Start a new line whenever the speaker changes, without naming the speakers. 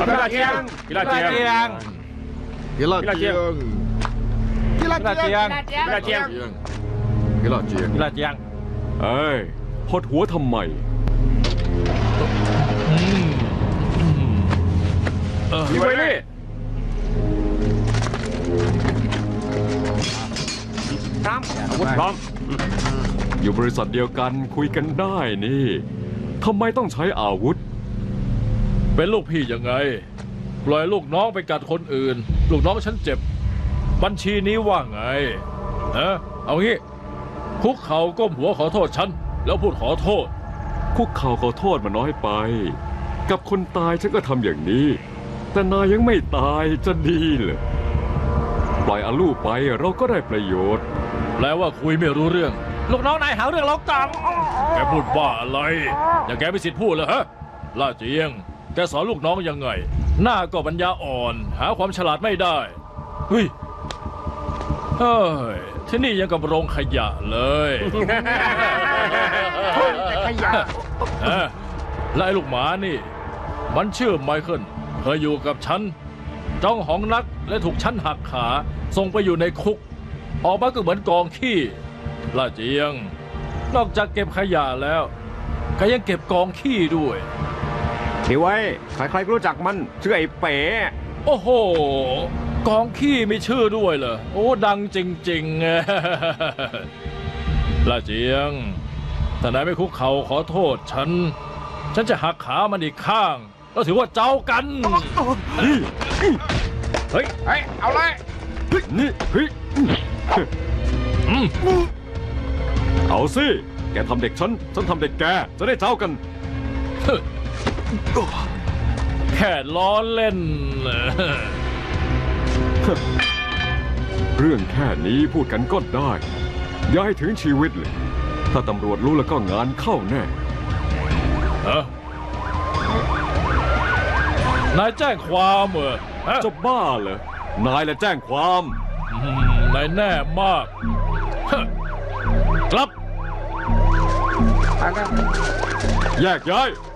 กีฬาเจียงกีฬาเจียง
กีฬาเจียงกีฬาเจียง
กีฬาเจียง
กีฬาเจียง
กีฬาเจียง
เอ้ยหดหัวทำไม
มีไว้ดิพร้อมอาวุธพร้อม
อยู่บริษัทเดียวกันคุยกันได้นี่ทำไมต้องใช้อาวุธ
เป็นลูกพี่ยังไง ปล่อยลูกน้องไปกัดคนอื่น ลูกน้องฉันเจ็บ บัญชีนี้ว่าไงเอางี้คุกเข่าก้มหัวขอโทษฉันแล้วพูดขอโทษ
คุกเข่าขอโทษมันน้อยไป กับคนตายฉันก็ทำอย่างนี้ แต่นายยังไม่ตายจะดีเหรอปล่อยอาลูไปเราก็ได้ประโยชน์
แปลว่าคุยไม่รู้เรื่อง ลูกน้องนายหาเรื่องเรากังแกพูดบ้าอะไร อย่าแกไม่สิทธิ์พูดเลยฮะล่าเจียง แกสอนลูกน้องยังไง หน้าก็ปัญญาอ่อน หาความฉลาดไม่ได้เฮ้ยที่นี่ยังกับโรงขยะเลย
ขยะ
และไอ้ลูกหมานี่ มันชื่อไมเคิลเคยอยู่กับฉันจ้องหองนักและถูกฉันหักขาส่งไปอยู่ในคุก ออกมาก็เหมือนกองขี้ล่าเจียง นอกจากเก็บขยะแล้วก็ยังเก็บกองขี้ด้วย
ถือไว้ใครๆก็รู้จักมันชื่อไอ้เป๋
โอ้โห กองขี้มีชื่อด้วยเหรอโอ้ดังจริงๆ ล่าเจียงถ้านายไม่คุกเข่าขอโทษฉันจะหักขามันอีกข้างแล้วถือว่าเจ้ากัน
เฮ้ยเอาเลย
นี่เฮ้ยเอาสิแกทำเด็กฉันทำเด็กแกจะได้เจ้ากัน
แค่ล้อเล่น
เรื่องแค่นี้พูดกันก็ได้อย่าให้ถึงชีวิตเลยถ้าตำรวจรู้แล้วก็งานเข้าแน่
นายแจ้งความเหรอ
จะบ้าเหรอนายแหละแจ้งความ
นายแน่มาก กลับ
แยกย้าย